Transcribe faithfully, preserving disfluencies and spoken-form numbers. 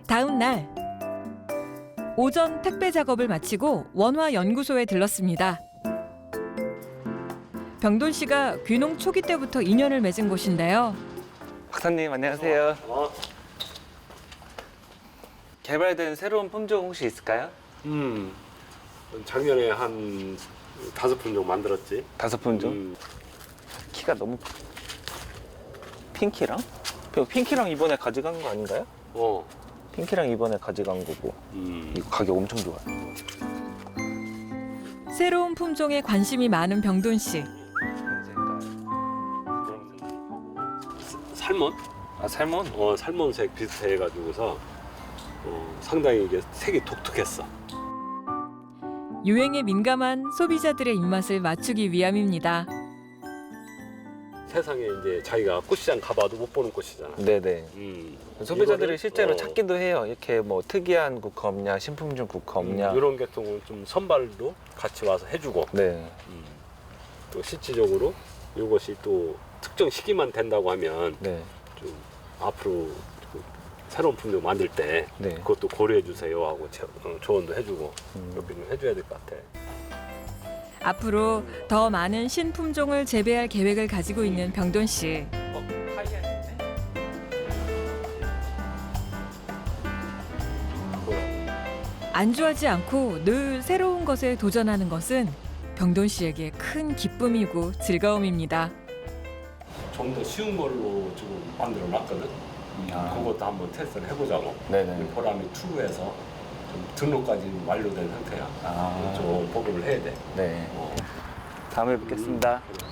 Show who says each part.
Speaker 1: 다음 날 오전 택배 작업을 마치고 원화 연구소에 들렀습니다. 병돈 씨가 귀농 초기 때부터 인연을 맺은 곳인데요.
Speaker 2: 박사님 안녕하세요.
Speaker 3: 어,
Speaker 2: 개발된 새로운 품종 혹시 있을까요?
Speaker 3: 음, 작년에 한 다섯 품종 만들었지.
Speaker 2: 다섯 품종?
Speaker 3: 음,
Speaker 2: 키가 너무 핑키랑? 핑키랑 이번에 가져간 거 아닌가요?
Speaker 3: 어,
Speaker 2: 핑키랑 이번에 가져간 거고
Speaker 3: 음,
Speaker 2: 이거 가격 엄청 좋아요.
Speaker 1: 새로운 품종에 관심이 많은 병돈 씨.
Speaker 3: 살몬?
Speaker 2: 아 살몬?
Speaker 3: 어, 살몬색 비슷해가지고서 어, 상당히 이게 색이 독특했어.
Speaker 1: 유행에 민감한 소비자들의 입맛을 맞추기 위함입니다.
Speaker 3: 세상에 이제 자기가 꽃시장 가봐도 못 보는 꽃이잖아.
Speaker 2: 네네.
Speaker 3: 음,
Speaker 2: 소비자들이
Speaker 3: 이거를,
Speaker 2: 실제로
Speaker 3: 어,
Speaker 2: 찾기도 해요. 이렇게 뭐 특이한 국화 없냐, 신품종 국화 없냐.
Speaker 3: 음, 이런 계통은 좀 선발도 같이 와서 해주고,
Speaker 2: 네.
Speaker 3: 음, 또 실질적으로 이것이 또 특정 시기만 된다고 하면
Speaker 2: 네.
Speaker 3: 좀 앞으로 그 새로운 품종 만들 때
Speaker 2: 네.
Speaker 3: 그것도 고려해 주세요 하고 제- 어, 조언도 해주고
Speaker 2: 음.
Speaker 3: 이렇게 좀 해줘야 될 것 같아.
Speaker 1: 앞으로 더 많은 신품종을 재배할 계획을 가지고 있는 병돈 씨. 안주하지 않고 늘 새로운 것에 도전하는 것은 병돈 씨에게 큰 기쁨이고 즐거움입니다.
Speaker 3: 좀 더 쉬운 걸로 지금 만들어 놨거든.
Speaker 2: 아.
Speaker 3: 그것도 한번 테스트를 해보자고.
Speaker 2: 네네.
Speaker 3: 보람이 투에서 좀 등록까지 완료된 상태야.
Speaker 2: 아.
Speaker 3: 좀 보급을 해야 돼.
Speaker 2: 네.
Speaker 3: 어.
Speaker 2: 다음에 뵙겠습니다.
Speaker 3: 음, 그래.